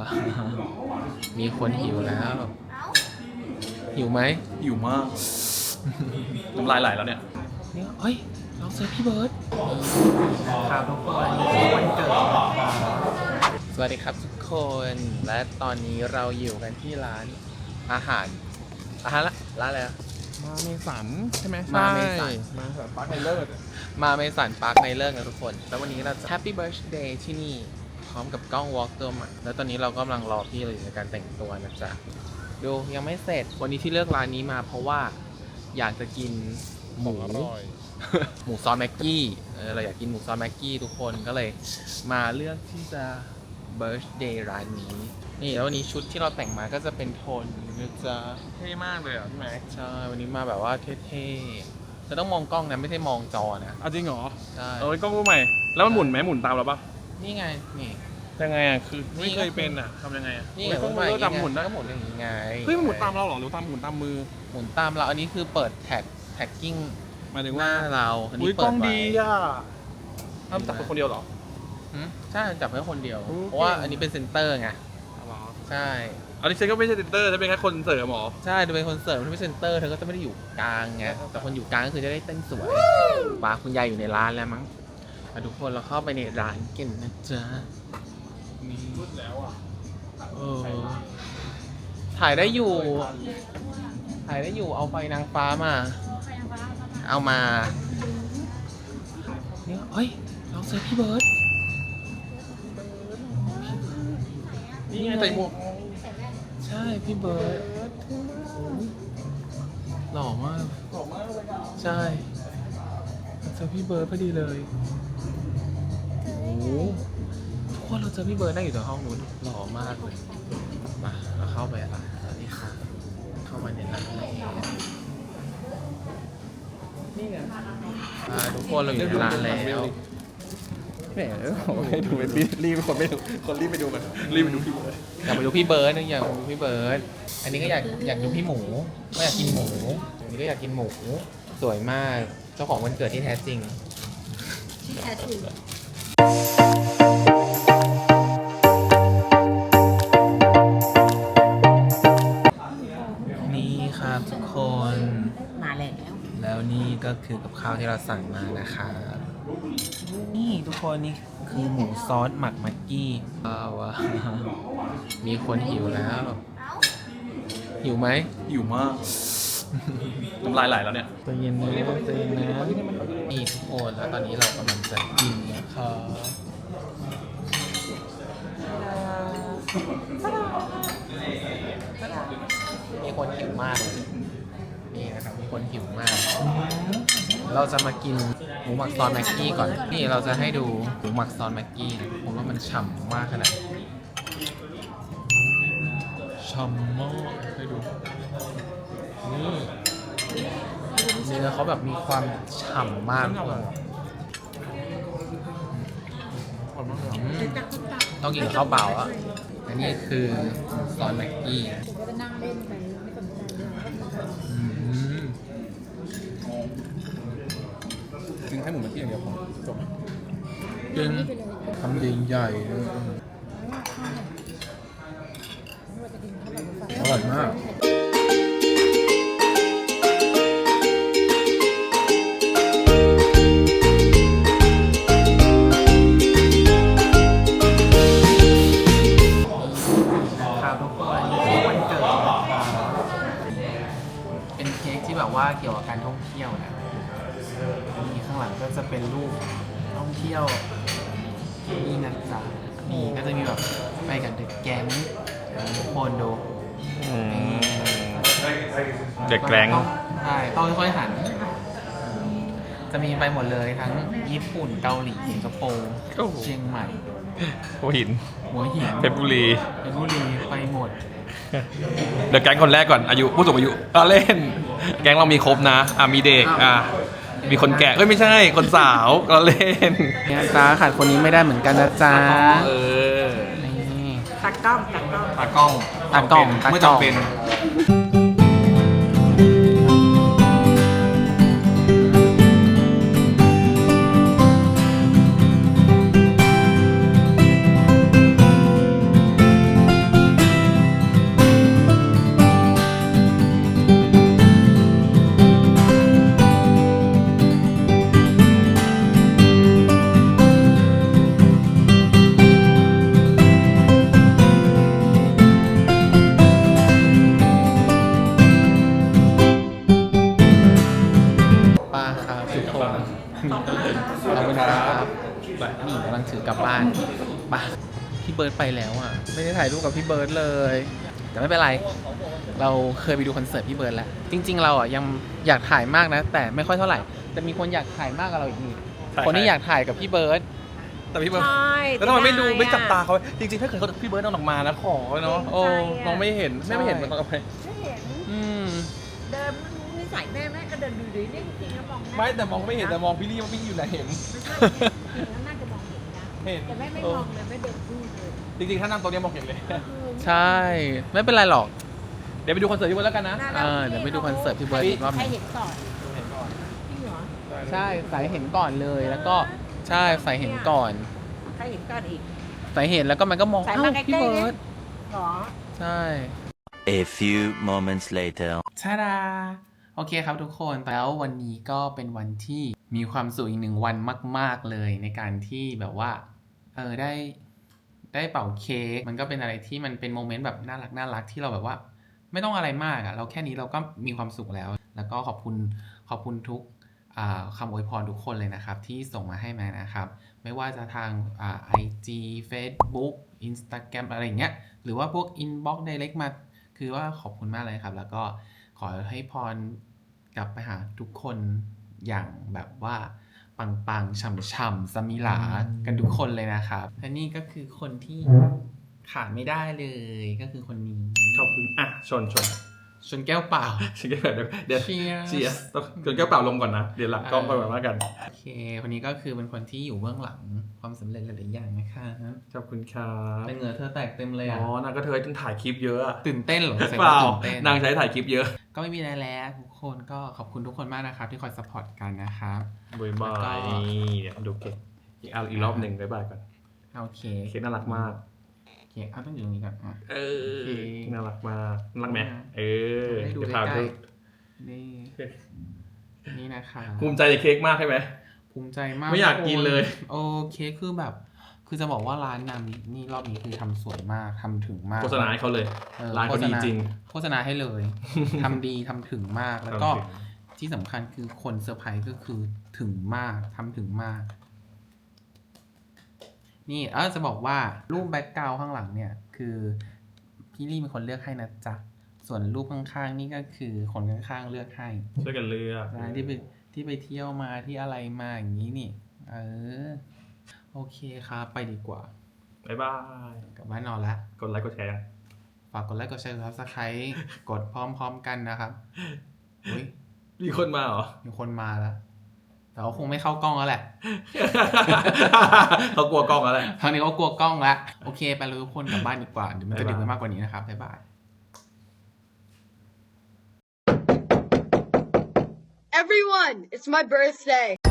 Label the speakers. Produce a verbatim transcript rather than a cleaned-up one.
Speaker 1: มีคนหิวแล้วหิวไหม
Speaker 2: หิวมากน้ำลายไหลแล้วเนี่ย
Speaker 1: เนี่ยเฮ้ยเราเจอพี่เบิร์ดครับทุกคนวันเกิดสวัสดีครับทุกคนและตอนนี้เราอยู่กันที่ร้านอาหารอาหารละร้านอะไรอะ
Speaker 2: มาเมสันใช่ไหม
Speaker 1: มาเมสัน
Speaker 2: มาเมสันปาร์คในเลิศ
Speaker 1: มาเมสันปาร์คในเลิศนะทุกคนแล้ววันนี้เราจะ Happy Birthday ที่นี่พร้อมกับกล้อง Walk ตัวใหม่แล้วตอนนี้เรากำลังรอพี่เราอยู่ในการแต่งตัวนะจ๊ะดูยังไม่เสร็จวันนี้ที่เลือกร้านนี้มาเพราะว่าอยากจะกินหมูหมูซอสแม็กกี้เออเราอยากกินหมูซอสแม็กกี้ทุกคนก็เลยมาเลือกที่จะ Birthday ร้านนี้นี่แล้ววันนี้ชุดที่เราแต่งมาก็จะเป็นโทนนะจ๊ะ
Speaker 2: เท่มากเลยอ่ะพี่แม็ก
Speaker 1: ใช่วันนี้มาแบบว่าเท่ๆจะต้องมองกล้องนะไม่ใช่มองจอนะ
Speaker 2: อ้าวจริงเหรอ
Speaker 1: ใช่
Speaker 2: เออกล้องรูปใหม่แล้วมันหมุนไหมหมุนตามเราปะ
Speaker 1: นี่ไงนี่
Speaker 2: ยังไงอ่ะคือไม่เคยเป็นอ่ะทำยังไงอ่ะ
Speaker 1: นี่ไง
Speaker 2: ต้องมือจำหมุนได้
Speaker 1: ก็หมุนอย่างนี้ไง
Speaker 2: เฮ้ยมันหมุนตามเราหรอหรือตามหมุนตามมือ
Speaker 1: หมุนตามเราอันนี้คือเปิดแท็กแท็กกิ้ง
Speaker 2: หมายถึง
Speaker 1: ว่าเราอันนี้
Speaker 2: เปิดไว้กล้องดีอ่ะทำจับเป็นคนเดียวหรอ
Speaker 1: ใช่จับแค่คนเดียวเพราะว่าอันนี้เป็นเซนเตอร์ไงใช่
Speaker 2: อันนี้เซนก็ไม่ใช่เซนเตอร์จะเป็นแค่คนเสริมหรอ
Speaker 1: ใช่จะเป็นคนเสริมที่เป็นเซนเตอร์เธอก็จะไม่ได้อยู่กลางไงแต่คนอยู่กลางก็คือจะได้เต้นสวยป้าคุณยายอยู่ในร้านแล้วมั้งทุกคนเราเข้าไปในร้านกันนะจ๊ะ
Speaker 2: นี่รุดแล้วอ่ะ
Speaker 1: เออถ่ายได้อยู่ถ่ายได้อยู่เอาไฟนางฟ้ามาเอามาเนี่ยเฮ้ยเราเจอพี่เบิร์ด
Speaker 2: นี่ไงใส่หมวก
Speaker 1: ใช่พี่เบิร์ดหล่อมาก
Speaker 2: หล่อมากเลยอ่ะ
Speaker 1: ใช่เราเจอพี่เบิร์ดพอดีเลยโอ้ทุกคนเราเจอพี่เบิร์ดนั่งอยู่ในห้องนู้นหล่อมากเลยมาเราเข้าไปอ่ะสวัสดีค่ะเข้ามาในร้านเลยนี่ไงทุกคนเราอยู่ในร้านแล้ว
Speaker 2: แหมให้ดูเป็นรีบคนไม่คนรีบไปดูกันรีบไปดูพี่เบิร์ด
Speaker 1: อยากไปดูพี่เบิร์ดนึงอยากดูพี่เบิร์ดอันนี้ก็อยากอยากดูพี่หมูก็อยากกินหมูอันนี้ก็อยากกินหมูสวยมากเจ้าของวันเกิดที่แท้จริง
Speaker 3: ที่แท้จริง
Speaker 1: นี่ครับทุกคน
Speaker 3: มาแล้ว
Speaker 1: แล้วนี่ก็คือกับข้าวที่เราสั่งมานะคะนี่ทุกคนนี่คือหมูซอสหมักแม็กกี้ว้าวมีคนหิวแล้วหิวไหม
Speaker 2: หิวมากน้ำลายไหลแล้วเนี่ย
Speaker 1: ใจเย็นนะใจเย็นนะนี่ทุกคนแล้วตอนนี้เรากำลังจะกินนะครับมีคนหิวมากเลยนี่นะครับมีคนหิวมากเราจะมากินหมูหมักซอสแม็กกี้ก่อนนี่เราจะให้ดูหมูหมักซอสแม็กกี้นะผมว่ามันฉ่ำมากขนาดฉ่ำมากให้ดูนี่เนื้อเขาแบบมีความฉ่ำมากเลยต้องกินกับข้าวเปล่าอ่ะอันนี้คือซอสแม็กกี้
Speaker 3: จะนั่งเล่นไปไม่สนใจเลย
Speaker 2: กินแค่หมูแม็กกี้อย่างเดียวพอจบ
Speaker 1: กินคำใหญ่ๆอร่อยมากเป็นเค้กที่แบบว่าเกี่ยวกับการท่องเที่ยวนะมีข้างหลังก็จะเป็นรูปท่องเที่ยวนี่นะจ๊ะนี่ก็จะมีแบบไปกับเด็กแก๊งทุกคนดู
Speaker 2: เด็กแก๊ง
Speaker 1: ใช่ต้องค่อยๆหันจะมีไปหมดเลยทั้งญี่ปุ่นเกาหลีสิงคโปร์เชียงใหม่
Speaker 2: หัวหิน
Speaker 1: หัวหิน
Speaker 2: เพชรบุรี
Speaker 1: เพชรบุรีไปหมด
Speaker 2: เดี๋ยวแก๊งคนแรกก่อนอายุผู้สูงอายุก็เล่นแก๊งเรามีครบนะอ่ะมีเด็กอ่ะมีคนแก่เอ้ยไม่ใช่คนสาวก็เล่น
Speaker 1: เนี่ยจ้าขาดคนนี้ไม่ได้เหมือนกันนะจ๊ะ
Speaker 2: เออ
Speaker 1: นี่
Speaker 3: ตากล้องตากล้อง
Speaker 2: ตากล้อง
Speaker 1: ตากล้อง
Speaker 2: เมื่อจำเป็น
Speaker 1: านไปพี่เบิร์ดไปแล้วอ่ะไม่ได้ถ่ายรูปกับพี่เบิร์ดเลย แต่ไม่เป็นไรเราเคยไปดูคอนเสิร์ตพี่เบิร์ดแล้ว จริง ๆ เราอ่ะยังอยากถ่ายมากนะ แต่ไม่ค่อยเท่าไหร่แต่มีคนอยากถ่ายมากกับเราอีกนี่คนที่อยากถ่ายกับพี่เบิร์ด
Speaker 2: แต่พี่เบิร์ด
Speaker 3: ใช่
Speaker 2: แล้วทำไมไม่ดู
Speaker 3: ด้
Speaker 2: ไม่จับตา
Speaker 3: อะ
Speaker 2: เขาจริงๆถ้าเกิดเขาพี่เบิร์ดเอาออกมานะขอเนาะโอ้
Speaker 3: ใจอะ
Speaker 2: น้องไม่เห็นแม่ไม่เห็น
Speaker 1: ใช่
Speaker 2: มันต้องเอาไป
Speaker 3: ไม่เห็น
Speaker 1: อืม
Speaker 3: เดินไม่รู้นิสัยแม่แม่ก็เดินดูดีนี่จริงๆแล้วมองหน้า
Speaker 2: ไม่แต่มองไม่เห็นแต่มองพี่ลี่ว่าพี่ลี่อยู่ไหนเห็น
Speaker 3: ไม่ใช่จริงๆแล้วน่าจะมองเห็นนะ
Speaker 2: เห็น
Speaker 3: แต่แม่ไม่มองเลยไม่เดินดูเลย
Speaker 2: จริงๆถ้านั่งตรงนี้มองเห็นเลย
Speaker 1: ใช่ ไม่เป็นไรหรอก
Speaker 2: เดี๋ยวไปดูคอนเสิร์ตพี่เบิร์ดแล้วกันนะ
Speaker 1: เออเดี๋ยวไปดูคอนเสิร์ตพี่เบิร์ดอีกรอบห
Speaker 3: ใคร
Speaker 1: นึ่ง
Speaker 3: เห็นก่อน
Speaker 2: เห็นก่อน
Speaker 3: จริงเหรอ
Speaker 1: ใช่สายเห็นก่อนเลยแล้วก็ใช่สายเห็นก่อน
Speaker 3: ใครเห็นก่อนอีก
Speaker 1: สายเห็นแล้วก็มันก็มอง
Speaker 3: สาย
Speaker 1: เอ้า
Speaker 3: มาใกล้ๆ
Speaker 1: พี่เบิ
Speaker 3: ดิ
Speaker 1: ร์ด
Speaker 3: เหรอ
Speaker 1: ใช่
Speaker 4: A few moments later.
Speaker 1: ชาดาโอเคครับทุกคนแล้ววันนี้ก็เป็นวันที่มีความสุขอีกหนึ่งวันมาก ๆเลยในการที่แบบว่าเออได้ได้เป่าเค้กมันก็เป็นอะไรที่มันเป็นโมเมนต์แบบน่ารักน่ารักที่เราแบบว่า ไม่ต้องอะไรมากอะเราแค่นี้เราก็มีความสุขแล้ว แล้วก็ขอบคุณขอบคุณทุกอ่าคำอวยพรทุกคนเลยนะครับ ที่ส่งมาให้แม่นะครับ ไม่ว่าจะทางอ่า ไอ จี Facebook Instagram อะไรอย่างเงี้ยหรือว่าพวก Inbox Direct มาคือว่าขอบคุณมากเลยครับ แล้วก็ขอให้พรกลับไปหาทุกคนอย่างแบบว่าปังๆฉ่ำๆสมิหลากันทุกคนเลยนะครับและนี่ก็คือคนที่ขาดไม่ได้เลยก็คือคนนี้
Speaker 2: ขอบคุณอ่ะชนชน
Speaker 1: ชนแก้วเปล่า
Speaker 2: ชิคกี้พายเดี๋ยวเดี๋ยว
Speaker 1: Cheers
Speaker 2: เชียร์ต้องชนแก้วเปล่าลงก่อนนะ เดี๋ยวหลังกล้องค่อยมาว่ากัน
Speaker 1: โอเค คนนี้ก็คือเป็นคนที่อยู่เบื้องหลังความสำเร็จหลายๆอย่างนะคะ
Speaker 2: ขอบคุณครับ
Speaker 1: แต่เหงื่อเธอแตกเต็มเลยอ่ะ
Speaker 2: อ๋อนางก็เธอต้องถ่ายคลิปเยอะอะ
Speaker 1: ตื่นเต้นเหรอแสดง
Speaker 2: เปล่า
Speaker 1: ว่ตื่นเต้น
Speaker 2: นางใช้ถ่ายคลิปเยอะ
Speaker 1: ก็ไม่มีอะไรแล้วทุกคนก็ขอบคุณทุกคนมากนะครับที่คอยสปอร์ตกันนะครับ
Speaker 2: บายบา
Speaker 1: แล้วก็
Speaker 2: ยนี่เดี๋ยวดูเค้กอีกอันอีกรอบหนึ่งบายบายก่อน
Speaker 1: โอเค
Speaker 2: เค้กน่ารักมาก
Speaker 1: โอเคเอาต้องอยู่ตรงนี้ก่อนอ่ะ
Speaker 2: เออ
Speaker 1: โอเค
Speaker 2: น่ารักมากน่ารักไหมเออ
Speaker 1: ให้ดู
Speaker 2: เดี๋ยว
Speaker 1: ใก
Speaker 2: พา
Speaker 1: ล้
Speaker 2: ดู
Speaker 1: ๆนี่นี่นะคะ
Speaker 2: ภูมิใจในเค้กมากใช่ไหม
Speaker 1: ภูมิใจมาก
Speaker 2: ไม่อยากกินเลย
Speaker 1: โอเคคือแบบ คือจะบอกว่าร้านนามนี้นี่รอบนี้คือทำสวยมากทำถึงมาก
Speaker 2: โฆษณาให้เขาเลย
Speaker 1: ออ
Speaker 2: ร้านเขาดีจริง
Speaker 1: โฆษณาให้เลย ทำดีทำถึงมาก แล้วก็
Speaker 2: ทำถึง
Speaker 1: ที่สำคัญคือคนเซอร์ไพรส์ก็คือถึงมากทำถึงมาก นี่เออจะบอกว่ารูปแบ็กกราวด์ข้างหลังเนี่ย คือพี่ลี่เป็นคนเลือกให้นะจ๊ะ ส่วนรูปข้างๆนี่ก็คือคนข้างๆเลือกให้
Speaker 2: ช่วยกันเลือก
Speaker 1: ร้านที่ไปที่ไปเที่ยวมาที่อะไรมาอย่างนี้นี่ เออ โอเคครับไปดีกว่า
Speaker 2: บายบาย
Speaker 1: กลับบ้านนอนละ
Speaker 2: กดไลค์กดแชร์ยัง
Speaker 1: ฝากกดไลค์กดแชร์ซับสไครต์กดพร้อมๆกันนะครับอุ้ย
Speaker 2: มีคนมาเหรอ
Speaker 1: มีคนมาแล้ว แต่เขาคงไม่เข้ากล้องแล้วแหละ
Speaker 2: เขากลัวกล้องแล้วแหละ
Speaker 1: ทางนี้เขากลัวกล้องแล้ว โอเค ไปเลยทุกคนกลับบ้านดีกว่า เดี๋ยวมันจะดึกไปมากกว่านี้นะครับ บ๊ายบาย
Speaker 5: Everyone, it's my birthday.